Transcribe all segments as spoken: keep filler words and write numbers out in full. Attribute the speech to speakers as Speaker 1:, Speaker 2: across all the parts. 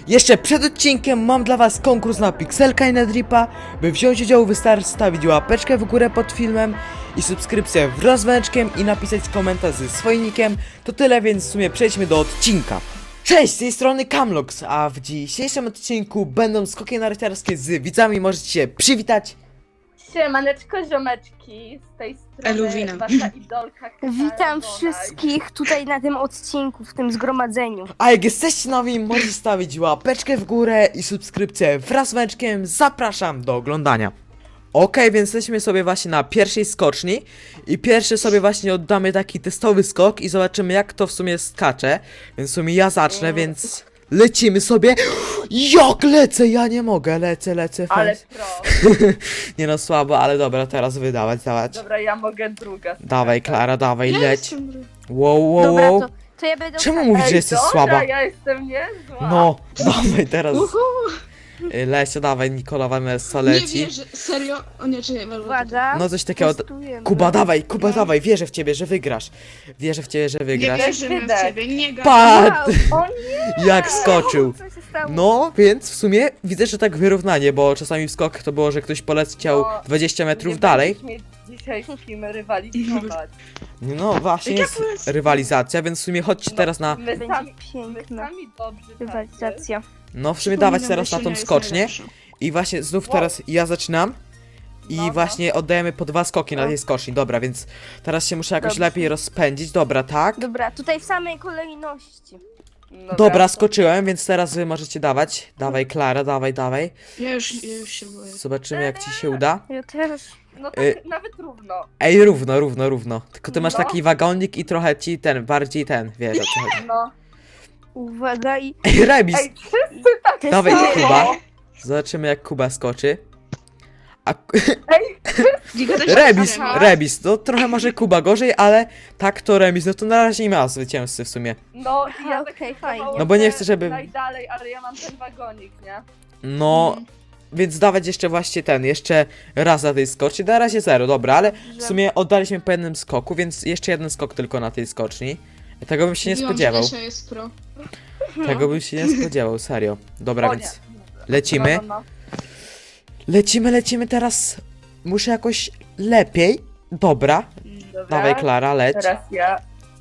Speaker 1: Jeszcze przed odcinkiem mam dla was konkurs na Pixelka i na Dripa. By wziąć udział, wystarczy stawić łapeczkę w górę pod filmem i subskrypcję wraz z dzwoneczkiem i napisać komentarz ze swoim nickiem. To tyle, więc w sumie przejdźmy do odcinka. Cześć, z tej strony Camlox, a w dzisiejszym odcinku będą skoki narciarskie z widzami, możecie się przywitać.
Speaker 2: Siemaneczko, ziomeczki, z tej strony
Speaker 3: Eluwina.
Speaker 2: wasza idolka Klara
Speaker 4: Witam
Speaker 2: Bonaj.
Speaker 4: wszystkich tutaj na tym odcinku, w tym zgromadzeniu.
Speaker 1: A jak jesteście nowi, możecie stawić łapeczkę w górę i subskrypcję wraz z dzwoneczkiem. Zapraszam do oglądania. Okej, więc jesteśmy sobie właśnie na pierwszej skoczni i pierwszy sobie właśnie oddamy taki testowy skok i zobaczymy, jak to w sumie skacze. Więc w sumie ja zacznę, więc lecimy sobie. Jak lecę, ja nie mogę, lecę, lecę.
Speaker 2: Ale
Speaker 1: fajnie.
Speaker 2: pro.
Speaker 1: Nie no, słabo, ale dobra, teraz wydawać, dawać.
Speaker 2: Dobra, ja mogę druga.
Speaker 1: Dawaj, Klara, dawaj,
Speaker 3: Ja
Speaker 1: leć.
Speaker 3: jestem-
Speaker 1: Wow, wow,
Speaker 4: Dobra,
Speaker 1: wow.
Speaker 4: to, to ja będę...
Speaker 1: Czemu
Speaker 4: ostatnia.
Speaker 1: mówisz, że
Speaker 2: Ej,
Speaker 1: jesteś
Speaker 2: dobra,
Speaker 1: słaba?
Speaker 2: ja jestem niezła.
Speaker 1: No, dawaj teraz.
Speaker 3: Uhu,
Speaker 1: Y, Lecio, dawaj, Nikola Vanessa
Speaker 3: nie
Speaker 1: leci.
Speaker 3: wierzę, serio? O nie, czekaj, walę.
Speaker 4: Uwaga,
Speaker 1: No coś takiego.
Speaker 4: testujemy.
Speaker 1: Kuba, dawaj, Kuba,
Speaker 3: No.
Speaker 1: dawaj, wierzę w ciebie, że wygrasz. Wierzę w ciebie, że
Speaker 3: Nie
Speaker 1: wygrasz.
Speaker 3: wierzymy w
Speaker 2: Wydech.
Speaker 3: ciebie, nie gadaj.
Speaker 1: Patrz,
Speaker 4: Wow,
Speaker 2: O nie!
Speaker 1: jak skoczył.
Speaker 4: co się stało?
Speaker 1: No, więc w sumie widzę, że tak wyrównanie, bo czasami w skokach to było, że ktoś poleciał
Speaker 2: No,
Speaker 1: dwadzieścia metrów
Speaker 2: Nie
Speaker 1: dalej.
Speaker 2: będziesz mieć dzisiaj z kim rywalizować.
Speaker 1: No właśnie
Speaker 3: Jak
Speaker 1: jest
Speaker 3: polecę?
Speaker 1: rywalizacja, więc w sumie chodźcie
Speaker 2: No,
Speaker 1: teraz na...
Speaker 2: My
Speaker 4: Będzie
Speaker 2: sami, my
Speaker 4: piękna
Speaker 2: sami dobrzy tacy.
Speaker 4: rywalizacja.
Speaker 1: No w sumie
Speaker 3: Przypominam,
Speaker 1: dawać teraz na
Speaker 3: Lesionia
Speaker 1: tą
Speaker 3: jest
Speaker 1: skocznię.
Speaker 3: najlepsza.
Speaker 1: I właśnie znów
Speaker 2: Wow.
Speaker 1: teraz ja zaczynam. I
Speaker 2: No, no.
Speaker 1: właśnie oddajemy po dwa skoki na
Speaker 2: No.
Speaker 1: tej skoczni, dobra, więc teraz się muszę jakoś
Speaker 4: Dobrze.
Speaker 1: lepiej rozpędzić, dobra, tak?
Speaker 4: Dobra, tutaj w samej kolejności.
Speaker 2: Dobra,
Speaker 1: Dobra,
Speaker 2: to-
Speaker 1: skoczyłem, więc teraz wy możecie dawać. Dawaj, Klara, dawaj, dawaj.
Speaker 3: Ja już, ja już się boję.
Speaker 1: Zobaczymy, jak ci się uda.
Speaker 4: Ja też.
Speaker 2: No tak,
Speaker 1: Y-
Speaker 2: nawet równo.
Speaker 1: Ej, równo, równo, równo. Tylko ty masz
Speaker 2: No.
Speaker 1: taki wagonik i trochę ci ten, bardziej ten, wiesz o co chodzi.
Speaker 2: No.
Speaker 4: Uwaga i...
Speaker 1: Ej, remis!
Speaker 2: Ej, wszyscy tak
Speaker 1: Dawaj,
Speaker 2: samo.
Speaker 1: Kuba. Zobaczymy, jak Kuba skoczy. A
Speaker 2: Ej,
Speaker 3: Nie gadaj,
Speaker 1: remis,
Speaker 3: Aha.
Speaker 1: remis. No trochę może Kuba gorzej, ale tak to remis. No to na razie nie ma zwycięzcy w sumie.
Speaker 2: no i ja
Speaker 4: Aha,
Speaker 2: tak
Speaker 4: okej,
Speaker 2: próbowałam,
Speaker 4: fajnie.
Speaker 1: No bo nie
Speaker 2: że
Speaker 1: chcę, żeby-
Speaker 2: najdalej, ale ja mam ten wagonik, nie?
Speaker 1: No,
Speaker 3: Mhm.
Speaker 1: więc dawać jeszcze właśnie ten, jeszcze raz na tej skoczni. Na razie zero, dobra, ale w sumie oddaliśmy po jednym skoku, więc jeszcze jeden skok tylko na tej skoczni. Tego bym się nie
Speaker 3: Mówiłam, że
Speaker 1: spodziewał.
Speaker 3: Lesia jest pro.
Speaker 1: Tego bym się nie spodziewał, serio. Dobra,
Speaker 2: O
Speaker 1: więc
Speaker 2: nie.
Speaker 1: lecimy.
Speaker 2: No, no, no.
Speaker 1: Lecimy, lecimy teraz. Muszę jakoś lepiej. Dobra,
Speaker 2: Dobra,
Speaker 1: dawaj Klara, leć.
Speaker 2: teraz ja.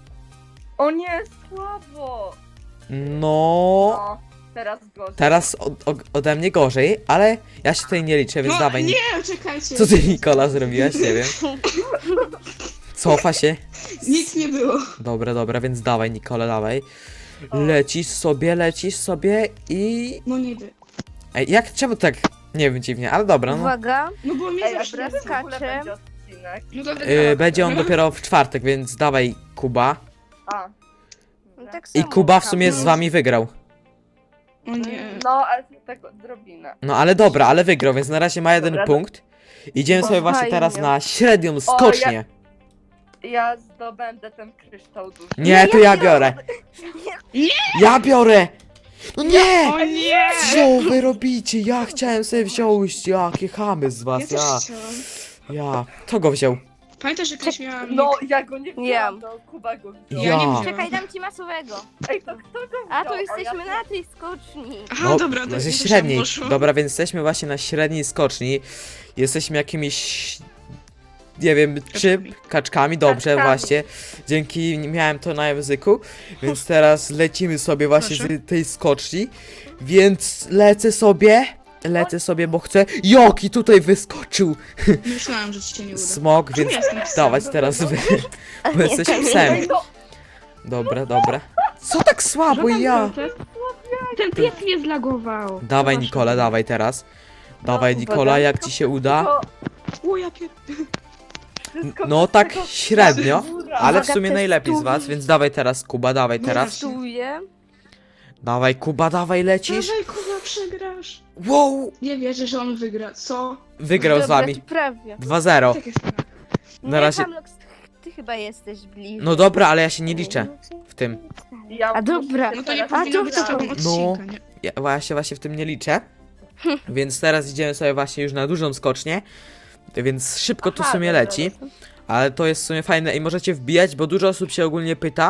Speaker 2: O nie, słabo!
Speaker 1: No,
Speaker 2: No, teraz gorzej.
Speaker 1: teraz od, od, ode mnie gorzej, ale ja się tutaj nie liczę, więc
Speaker 3: No,
Speaker 1: dawaj.
Speaker 3: nie, czekajcie.
Speaker 1: Co ty, Nikola, zrobiłaś? Nie wiem. Cofa się.
Speaker 3: Nic nie było.
Speaker 1: Dobra, dobra, więc dawaj, Nikola, dawaj. Lecisz sobie, lecisz sobie i...
Speaker 3: No niby.
Speaker 1: Ej, jak, czemu tak? Nie wiem, dziwnie, ale dobra, no.
Speaker 4: Uwaga.
Speaker 3: No bo mnie
Speaker 2: Ej, a
Speaker 3: zawsze...
Speaker 2: teraz w ogóle
Speaker 4: skacze.
Speaker 2: będzie odcinek.
Speaker 3: No dobra,
Speaker 1: Yy, będzie on
Speaker 3: dobra.
Speaker 1: dopiero w czwartek, więc dawaj, Kuba.
Speaker 2: A.
Speaker 4: No, tak
Speaker 1: I
Speaker 4: samo
Speaker 1: Kuba w
Speaker 4: tam.
Speaker 1: sumie z wami wygrał.
Speaker 3: O nie.
Speaker 2: No, ale to tak odrobinę.
Speaker 1: No ale dobra, ale wygrał, więc na razie ma jeden
Speaker 2: Dobra,
Speaker 1: punkt. Idziemy
Speaker 4: O,
Speaker 1: sobie właśnie
Speaker 4: fajnie.
Speaker 1: teraz na średnią skocznię.
Speaker 2: Ja zdobędę ten kryształ duży.
Speaker 1: Nie, to ja biorę.
Speaker 3: Nie!
Speaker 1: Ja biorę! No nie!
Speaker 3: O nie!
Speaker 1: Co wy robicie? Ja chciałem sobie wziąć, jakie chamy z
Speaker 3: Ja
Speaker 1: was,
Speaker 3: też
Speaker 1: ja,
Speaker 3: chciałam.
Speaker 1: ja. Kto go wziął?
Speaker 3: Pamiętasz, że kiedyś miałam...
Speaker 2: No, ja go nie wziąłem,
Speaker 4: Ja.
Speaker 2: to Kuba go wziął.
Speaker 1: Ja.
Speaker 3: nie wziąłem.
Speaker 4: Czekaj, dam ci masowego.
Speaker 2: Ej, to kto go wziął?
Speaker 4: A tu
Speaker 2: O,
Speaker 4: jesteśmy
Speaker 2: ja...
Speaker 4: na tej skoczni.
Speaker 3: Aha,
Speaker 1: No,
Speaker 3: dobra,
Speaker 1: no
Speaker 3: to
Speaker 1: ze
Speaker 3: już tam
Speaker 1: średniej.
Speaker 3: poszło.
Speaker 1: Dobra, więc jesteśmy właśnie na średniej skoczni. Jesteśmy jakimiś... Nie wiem, czy
Speaker 3: Kaczkami.
Speaker 1: kaczkami, dobrze,
Speaker 4: Kaczkami.
Speaker 1: właśnie. Dzięki, miałem to na języku. Więc teraz lecimy sobie właśnie
Speaker 3: Proszę.
Speaker 1: z tej skoczni. Więc lecę sobie. Lecę sobie, bo chcę. Joki tutaj wyskoczył
Speaker 3: Myślałam, że ci się nie uda.
Speaker 1: smok,
Speaker 3: Czemu
Speaker 1: więc
Speaker 3: ja jestem psem?
Speaker 1: dawać teraz wy. Bo jesteś psem.
Speaker 2: Ej, no,
Speaker 1: Dobra, dobra. Co tak słabo ja?
Speaker 5: Ten pies mnie zlagował.
Speaker 1: Dawaj Nikola, dawaj teraz. Dawaj
Speaker 2: No,
Speaker 1: Nikola,
Speaker 2: uwaga.
Speaker 1: jak ci się uda?
Speaker 2: to
Speaker 3: O, ja pier...
Speaker 2: wszystko
Speaker 1: No
Speaker 2: bez
Speaker 1: tak
Speaker 2: tego
Speaker 1: średnio,
Speaker 2: góra.
Speaker 1: ale w
Speaker 4: Uwaga,
Speaker 1: sumie najlepiej z was,
Speaker 4: testuj.
Speaker 1: więc dawaj teraz Kuba, dawaj
Speaker 3: No
Speaker 1: teraz.
Speaker 4: Testuję.
Speaker 1: Dawaj Kuba, dawaj lecisz.
Speaker 3: Dawaj, Kuba, przegrasz.
Speaker 1: Wow!
Speaker 3: Nie wierzę, że on wygra. Co?
Speaker 1: Wygrał z
Speaker 4: Dobra,
Speaker 1: wami.
Speaker 4: to prawie.
Speaker 1: dwa zero.
Speaker 3: Tak jest.
Speaker 1: Na
Speaker 4: Nie,
Speaker 1: razie-
Speaker 4: Hamlox, ty chyba jesteś bliżej.
Speaker 1: No dobra, ale ja się nie liczę w tym.
Speaker 2: Ja
Speaker 4: A
Speaker 2: muszę
Speaker 4: dobra.
Speaker 3: No to nie
Speaker 2: teraz-
Speaker 3: powinno
Speaker 4: to
Speaker 3: być
Speaker 4: kto?
Speaker 3: z tobą odcinka, nie?
Speaker 1: Ja właśnie, właśnie w tym nie liczę. Więc teraz idziemy sobie właśnie już na dużą skocznię. Więc szybko to w
Speaker 2: Aha,
Speaker 1: sumie
Speaker 2: dobra,
Speaker 1: leci.
Speaker 2: dobra.
Speaker 1: Ale to jest w sumie fajne i możecie wbijać, bo dużo osób się ogólnie pyta,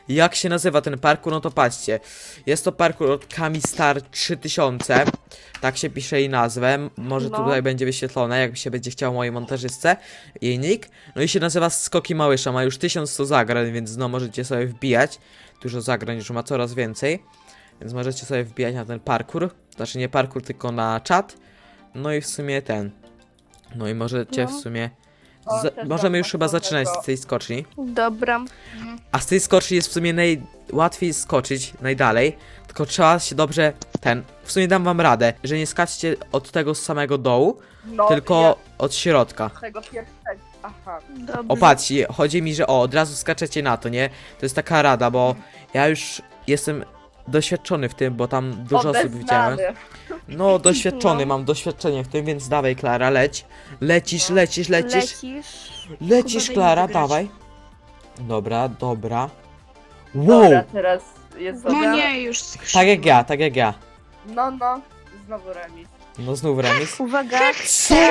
Speaker 1: jak się nazywa ten parkour, no to patrzcie. Jest to parkour od Kamistar trzy tysiące. Tak się pisze jej nazwę. Może
Speaker 4: No.
Speaker 1: tutaj będzie wyświetlone, jakby się będzie chciało mojej montażystce. Jej nick. No i się nazywa Skoki Małysza. Ma już tysiąc sto zagrań, więc no możecie sobie wbijać. Dużo zagrań już ma, coraz więcej. Więc możecie sobie wbijać na ten parkour. Znaczy nie parkour, tylko na czat. No i w sumie ten. No i możecie
Speaker 4: No.
Speaker 1: w sumie...
Speaker 2: O,
Speaker 1: za-
Speaker 2: też
Speaker 1: możemy
Speaker 2: mam
Speaker 1: już chyba
Speaker 2: takiego.
Speaker 1: zaczynać z tej skoczni.
Speaker 4: Dobra.
Speaker 1: A z tej skoczni jest w sumie najłatwiej skoczyć, najdalej. Tylko trzeba się dobrze ten. W sumie dam wam radę, że nie skaczcie od tego samego dołu,
Speaker 2: No,
Speaker 1: tylko od środka.
Speaker 2: ja tego pierwszego. Aha.
Speaker 4: Dobra.
Speaker 1: O patrzcie, chodzi mi, że o, od razu skaczecie na to, nie? To jest taka rada, bo ja już jestem doświadczony w tym, bo tam dużo osób widziałem.
Speaker 2: Obeznany.
Speaker 1: No, doświadczony,
Speaker 4: No.
Speaker 1: mam doświadczenie w tym, więc dawaj Klara, leć. Lecisz,
Speaker 2: No.
Speaker 1: lecisz, lecisz.
Speaker 4: Lecisz.
Speaker 1: Lecisz
Speaker 3: Kuba, daj mi
Speaker 1: Klara,
Speaker 3: wygrać.
Speaker 1: dawaj. Dobra, dobra. Wow!
Speaker 2: Dobra, teraz jest
Speaker 3: No
Speaker 2: dobra.
Speaker 3: nie, już
Speaker 1: Tak jak ja, tak jak ja.
Speaker 2: No, no. Znowu remis.
Speaker 1: No znów remis.
Speaker 4: Uwaga.
Speaker 1: Co?
Speaker 2: O,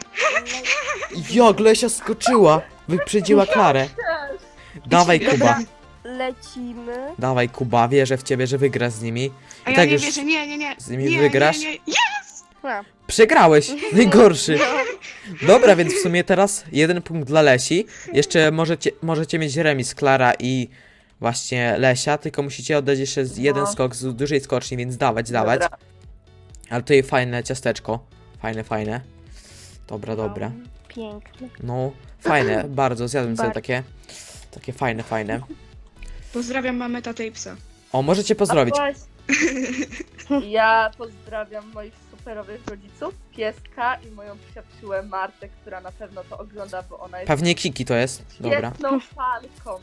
Speaker 1: Jak Lesia skoczyła! Wyprzedziła Klarę. Dawaj
Speaker 3: Dobra.
Speaker 1: Kuba.
Speaker 4: Lecimy.
Speaker 1: Dawaj Kuba, wierzę w ciebie, że wygrasz z nimi.
Speaker 3: A
Speaker 1: I
Speaker 3: ja
Speaker 1: tak
Speaker 3: nie
Speaker 1: już
Speaker 3: wierzę, nie, nie, nie.
Speaker 1: z nimi
Speaker 3: nie,
Speaker 1: wygrasz?
Speaker 3: Nie, nie, nie.
Speaker 4: A,
Speaker 1: Przegrałeś! Najgorszy. Dobra, więc w sumie teraz jeden punkt dla Lesi. Jeszcze możecie, możecie mieć remis Klara i właśnie Lesia, tylko musicie oddać jeszcze z jeden
Speaker 2: No.
Speaker 1: skok z dużej skoczni, więc dawać, dawać.
Speaker 2: dobra.
Speaker 1: Ale tutaj fajne ciasteczko. Fajne, fajne. Dobra, dobra.
Speaker 4: Pięknie.
Speaker 1: No, fajne, bardzo, zjadłem sobie
Speaker 4: Bardzo.
Speaker 1: takie. Takie fajne, fajne.
Speaker 3: Pozdrawiam mamę, tatę i psa.
Speaker 1: O, możecie pozdrowić.
Speaker 2: A właśnie, ja pozdrawiam moich superowych rodziców, pieska i moją przyjaciółę Martę, która na pewno to ogląda, bo ona jest
Speaker 1: Pewnie Kiki to jest. Dobra.
Speaker 2: świetną fanką.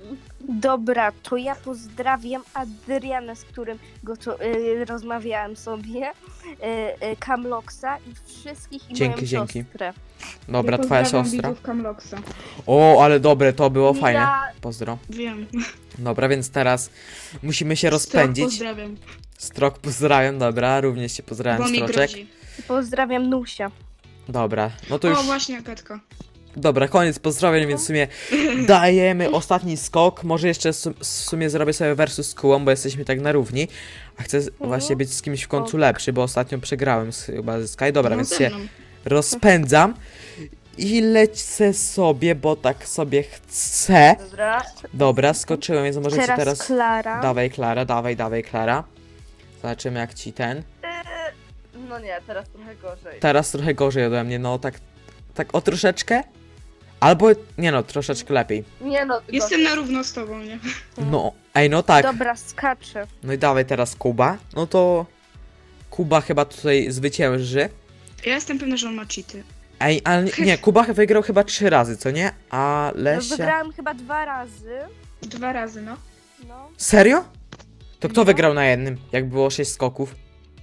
Speaker 4: Dobra, to ja pozdrawiam Adriana, z którym go to, y, rozmawiałem sobie, y, y, Kamloksa i wszystkich i
Speaker 1: Dzięki,
Speaker 4: moją
Speaker 1: dzięki.
Speaker 4: siostrę.
Speaker 1: Dobra,
Speaker 3: Ja
Speaker 1: twoja
Speaker 3: pozdrawiam
Speaker 1: siostra.
Speaker 3: widzów Kamloksa.
Speaker 1: O, ale dobre, to było fajne.
Speaker 2: Ja
Speaker 1: Pozdro.
Speaker 3: Wiem.
Speaker 1: Dobra, więc teraz musimy się
Speaker 3: Strok
Speaker 1: rozpędzić.
Speaker 3: pozdrawiam.
Speaker 1: Strok pozdrawiam, dobra, również się pozdrawiam,
Speaker 3: Bo mi
Speaker 1: Stroczek.
Speaker 3: grozi.
Speaker 4: Pozdrawiam Nusia.
Speaker 1: Dobra, no to
Speaker 3: O,
Speaker 1: już.
Speaker 3: właśnie, Agatka.
Speaker 1: Dobra, koniec pozdrowień, więc w sumie dajemy ostatni skok. Może jeszcze su- w sumie zrobię sobie versus z Kułą, bo jesteśmy tak na równi. A chcę z- właśnie być z kimś w końcu
Speaker 4: Ok.
Speaker 1: lepszy, bo ostatnio przegrałem z, chyba ze Sky. Dobra,
Speaker 3: No,
Speaker 1: więc
Speaker 3: ze
Speaker 1: się
Speaker 3: mną.
Speaker 1: rozpędzam i lecę sobie, bo tak sobie chcę.
Speaker 2: dobra.
Speaker 1: Dobra, skoczyłem, więc możecie
Speaker 4: Teraz,
Speaker 1: teraz...
Speaker 4: Klara.
Speaker 1: Dawaj Klara, dawaj, dawaj Klara. Zobaczymy jak ci ten.
Speaker 2: No nie, teraz trochę gorzej.
Speaker 1: Teraz trochę gorzej ode mnie, no tak, tak o troszeczkę. Albo, nie no, troszeczkę lepiej.
Speaker 2: Nie no,
Speaker 3: Jestem na równo z tobą, nie?
Speaker 1: No, ej no tak.
Speaker 4: Dobra, skaczę.
Speaker 1: No i dawaj teraz Kuba. No to Kuba chyba tutaj zwycięży.
Speaker 3: Ja jestem pewna, że on ma cheaty.
Speaker 1: Ej, ale nie, nie, Kuba wygrał chyba trzy razy, co nie? A
Speaker 4: No,
Speaker 1: Lesia...
Speaker 4: wygrałem chyba dwa razy.
Speaker 3: Dwa razy, no.
Speaker 4: No.
Speaker 1: Serio? To kto
Speaker 4: No.
Speaker 1: wygrał na jednym, jak było sześć skoków?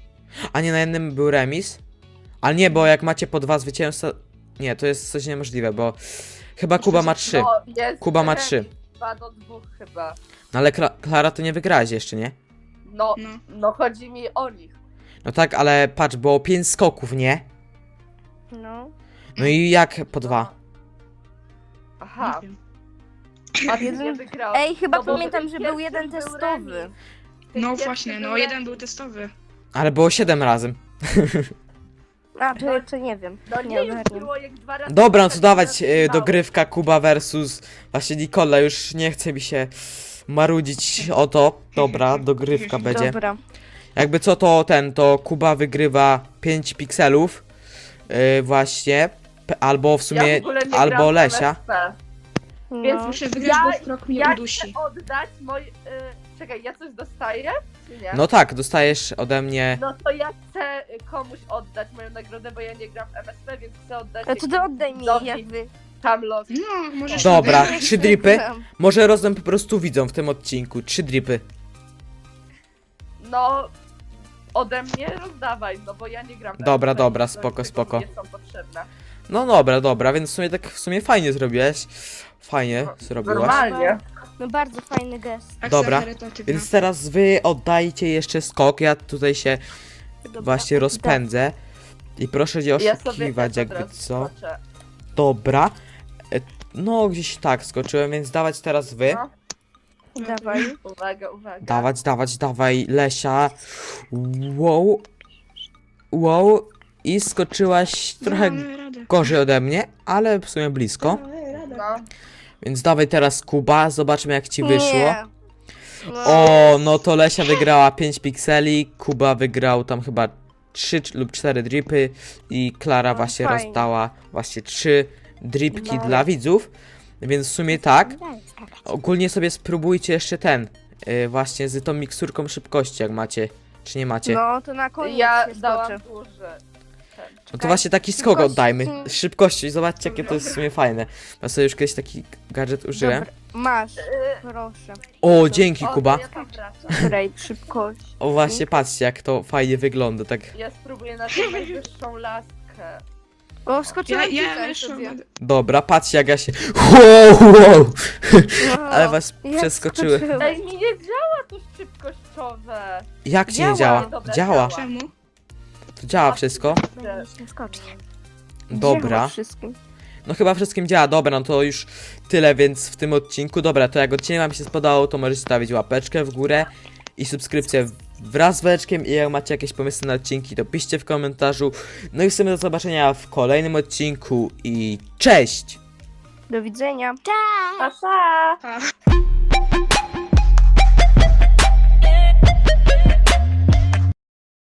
Speaker 1: A nie, na jednym był remis? Ale nie, bo jak macie po dwa zwycięstwa... Nie, to jest coś niemożliwe, bo... Chyba Kuba ma trzy.
Speaker 2: No, jest
Speaker 1: Kuba ma
Speaker 2: remis,
Speaker 1: trzy.
Speaker 2: Dwa do dwóch chyba.
Speaker 1: No ale Kla Klara, to nie wygrałaś jeszcze, nie?
Speaker 2: No,
Speaker 3: No.
Speaker 2: no chodzi mi o nich.
Speaker 1: No tak, ale patrz, było pięć skoków, nie?
Speaker 4: No.
Speaker 1: No i jak po dwa?
Speaker 2: Aha,
Speaker 3: Nie wiem.
Speaker 2: a ty
Speaker 4: Jeden-
Speaker 2: nie wygrał.
Speaker 4: Ej, chyba
Speaker 2: No bo
Speaker 4: pamiętam,
Speaker 2: ten
Speaker 4: że był
Speaker 2: pierwszy
Speaker 4: jeden
Speaker 2: był
Speaker 4: testowy.
Speaker 2: remis. Ten
Speaker 3: No
Speaker 2: pierwszy
Speaker 3: właśnie, no
Speaker 2: był
Speaker 3: jeden
Speaker 2: remis.
Speaker 3: był testowy.
Speaker 1: Ale było siedem razem.
Speaker 4: A, to jeszcze nie wiem.
Speaker 2: No
Speaker 4: Nie
Speaker 2: nie, już
Speaker 4: ogarniam.
Speaker 2: było jak dwa razy.
Speaker 1: Dobra, no to
Speaker 2: tak
Speaker 1: dawać e,
Speaker 2: wygrało.
Speaker 1: dogrywka Kuba versus właśnie Nikola, już nie chce mi się marudzić o to. Dobra, dogrywka będzie.
Speaker 4: Dobra.
Speaker 1: Jakby co to ten, to Kuba wygrywa pięć pikselów. Yy, właśnie. P- albo w
Speaker 2: Ja
Speaker 1: sumie,
Speaker 2: w ogóle nie
Speaker 1: albo
Speaker 2: gram w
Speaker 1: Lesia.
Speaker 2: M S P.
Speaker 4: No.
Speaker 3: Muszę wygrać,
Speaker 2: Ja-
Speaker 3: bo strok mnie
Speaker 2: Ja
Speaker 3: udusi.
Speaker 2: chcę oddać mój... Y, czekaj, ja coś dostaję? Czy nie?
Speaker 1: No tak, dostajesz ode mnie.
Speaker 2: No to ja chcę y, komuś oddać moją nagrodę, bo ja nie gram w M S P, więc chcę oddać...
Speaker 4: A to ty oddaj mi,
Speaker 2: widzowi
Speaker 4: jakby.
Speaker 2: Kamlok.
Speaker 3: No, możesz...
Speaker 1: Dobra,
Speaker 3: oddać.
Speaker 1: trzy dripy. Może rozdam po prostu widzom w tym odcinku. Trzy dripy.
Speaker 2: No... Ode mnie rozdawaj, no bo ja nie gram w
Speaker 1: Dobra,
Speaker 2: M S P,
Speaker 1: dobra,
Speaker 2: więc
Speaker 1: spoko,
Speaker 2: tego
Speaker 1: spoko.
Speaker 2: Nie są potrzebne.
Speaker 1: No dobra, dobra, więc w sumie tak w sumie fajnie zrobiłeś. Fajnie zrobiłaś.
Speaker 2: Normalnie.
Speaker 4: No bardzo fajny gest.
Speaker 3: Akcja
Speaker 1: Dobra,
Speaker 3: charytatywna.
Speaker 1: Więc teraz wy oddajcie jeszcze skok. Ja tutaj się
Speaker 4: Dobra.
Speaker 1: właśnie rozpędzę. I proszę nie
Speaker 2: Ja sobie
Speaker 1: oszukiwać,
Speaker 2: też od
Speaker 1: jakby
Speaker 2: razu
Speaker 1: co.
Speaker 2: skoczę.
Speaker 1: Dobra. E, No, gdzieś tak skoczyłem, więc dawać teraz wy.
Speaker 2: No.
Speaker 4: Dawaj.
Speaker 2: Uwaga, uwaga.
Speaker 1: Dawać, dawać, dawaj, Lesia. Wow. Wow. I skoczyłaś trochę
Speaker 3: Damy radę.
Speaker 1: gorzej ode mnie, ale w sumie blisko.
Speaker 2: No.
Speaker 1: Więc dawaj teraz Kuba, zobaczmy jak ci wyszło.
Speaker 4: Nie. No.
Speaker 1: O, no to Lesia wygrała pięć pikseli, Kuba wygrał tam chyba trzy lub cztery dripy i Klara
Speaker 4: No,
Speaker 1: właśnie
Speaker 4: fajnie.
Speaker 1: rozdała właśnie trzy dripki
Speaker 4: No.
Speaker 1: dla widzów. Więc w sumie tak. Ogólnie sobie spróbujcie jeszcze ten, yy, właśnie z tą miksurką szybkości, jak macie, czy nie macie. No,
Speaker 4: No to na koniec
Speaker 2: Ja
Speaker 4: się
Speaker 2: dałam
Speaker 4: skoczę.
Speaker 2: duży. Ten.
Speaker 1: to właśnie taki skok
Speaker 4: Szybkości.
Speaker 1: oddajmy.
Speaker 4: Mm.
Speaker 1: Szybkości, zobaczcie jakie to jest w sumie fajne. Ja sobie już kiedyś taki gadżet użyłem.
Speaker 4: Dobra, masz, proszę.
Speaker 1: O, dzięki
Speaker 2: O, to
Speaker 1: Kuba.
Speaker 2: ja tam wracam.
Speaker 4: Której szybkość.
Speaker 1: O właśnie, patrzcie jak to fajnie wygląda, tak.
Speaker 2: Ja spróbuję na tą najwyższą laskę.
Speaker 4: O,
Speaker 3: Ja,
Speaker 4: wskoczyłem
Speaker 3: ja
Speaker 4: tutaj
Speaker 3: wyszłam.
Speaker 4: sobie.
Speaker 3: na-
Speaker 1: Dobra, patrzcie jak ja się... Wow, wow.
Speaker 4: No,
Speaker 1: Ale was
Speaker 4: jak
Speaker 1: przeskoczyły.
Speaker 4: skoczyłem.
Speaker 2: Ej, mi nie działa to szybkościowe.
Speaker 1: Jak ci nie
Speaker 4: Działa.
Speaker 1: działa?
Speaker 2: Dobra,
Speaker 1: Działa.
Speaker 2: działa.
Speaker 3: Czemu?
Speaker 1: To działa wszystko?
Speaker 4: Będę się skoczyć.
Speaker 1: Dobra.
Speaker 4: Działa wszystkim.
Speaker 1: No chyba wszystkim działa. Dobra, no to już tyle więc w tym odcinku. Dobra, to jak odcinek wam się spodobał, to możecie stawić łapeczkę w górę i subskrypcję wraz z weczkiem. I jak macie jakieś pomysły na odcinki, to piszcie w komentarzu. No i w sumie do zobaczenia w kolejnym odcinku i cześć!
Speaker 4: Do widzenia.
Speaker 2: Pa, pa.
Speaker 3: Pa.